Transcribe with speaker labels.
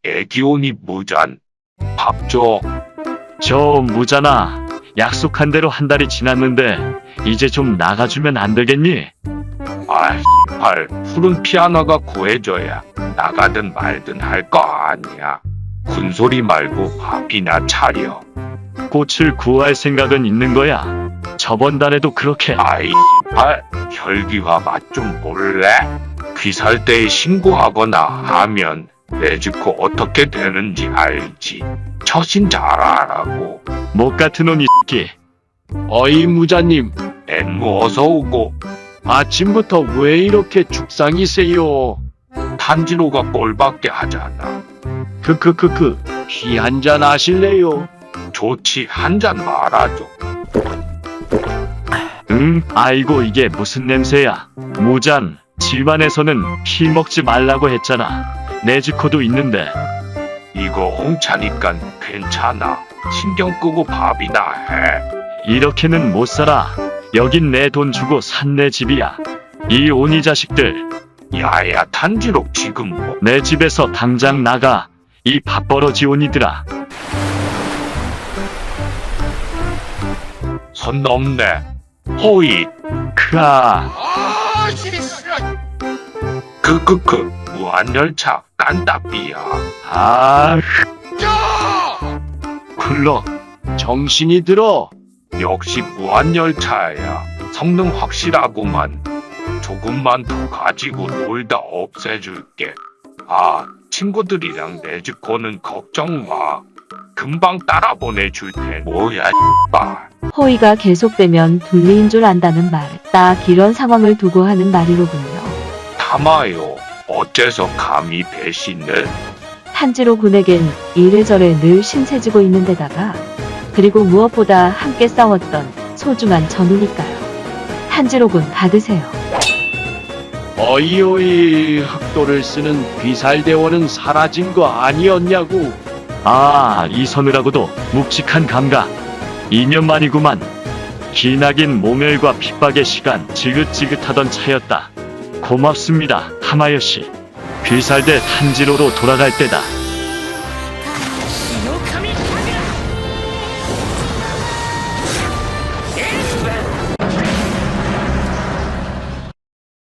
Speaker 1: 애기온이 무잔. 밥 줘.
Speaker 2: 저 무잖아. 약속한 대로 한 달이 지났는데 이제 좀 나가주면 안 되겠니?
Speaker 1: 아, 씨발. 푸른 피아노가 구해줘야 나가든 말든 할 거 아니야. 군소리 말고 밥이나 차려.
Speaker 2: 꽃을 구할 생각은 있는 거야. 저번 달에도 그렇게.
Speaker 1: 아이, 씨발. 혈기화 맛 좀 볼래? 귀살 때에 신고하거나 하면 내집코 어떻게 되는지 알지. 처신 잘 하라고.
Speaker 2: 못 같은 놈이 새끼.
Speaker 3: 어이 무자님,
Speaker 1: 앵무 어서 오고.
Speaker 3: 아침부터 왜 이렇게 죽상이세요?
Speaker 1: 탄지로가 꼴밖에 하잖아.
Speaker 3: 크크크크, 피 한잔 하실래요?
Speaker 1: 좋지, 한 잔 말아줘.
Speaker 2: 아이고 이게 무슨 냄새야. 무잔, 집안에서는 피 먹지 말라고 했잖아. 내지코도 있는데.
Speaker 1: 이거 홍차니까 괜찮아. 신경 끄고 밥이나 해.
Speaker 2: 이렇게는 못 살아. 여긴 내 돈 주고 산 내 집이야. 이 오니 자식들.
Speaker 1: 야야, 탄지로 지금 뭐.
Speaker 2: 내 집에서 당장 나가. 이 밥벌어지 오니들아.
Speaker 1: 선 넘네. 호이.
Speaker 2: 크아.
Speaker 1: 크크크. 무한열차 깐따삐야.
Speaker 2: 아. 굴러.
Speaker 3: 정신이 들어.
Speaker 1: 역시 무한열차야. 성능 확실하구만. 조금만 더 가지고 놀다 없애줄게. 아, 친구들이랑 내 집 거는 걱정 마. 금방 따라 보내줄 테. 뭐야, 씨발.
Speaker 4: 호의가 계속되면 둘리인 줄 안다는 말. 딱 이런 상황을 두고 하는 말이로군요.
Speaker 1: 담아요. 어째서 감히 배신을.
Speaker 4: 탄지로 군에겐 이래저래 늘 신세지고 있는 데다가 그리고 무엇보다 함께 싸웠던 소중한 전우니까요. 탄지로 군 받으세요.
Speaker 3: 어이어이, 흑도를 쓰는 귀살대원은 사라진 거 아니었냐고.
Speaker 2: 아, 이 서느라고도 묵직한 감각. 2년 만이구만. 기나긴 모멸과 핍박의 시간 지긋지긋하던 차였다. 고맙습니다, 하마요시. 귀살대 탄지로로 돌아갈 때다.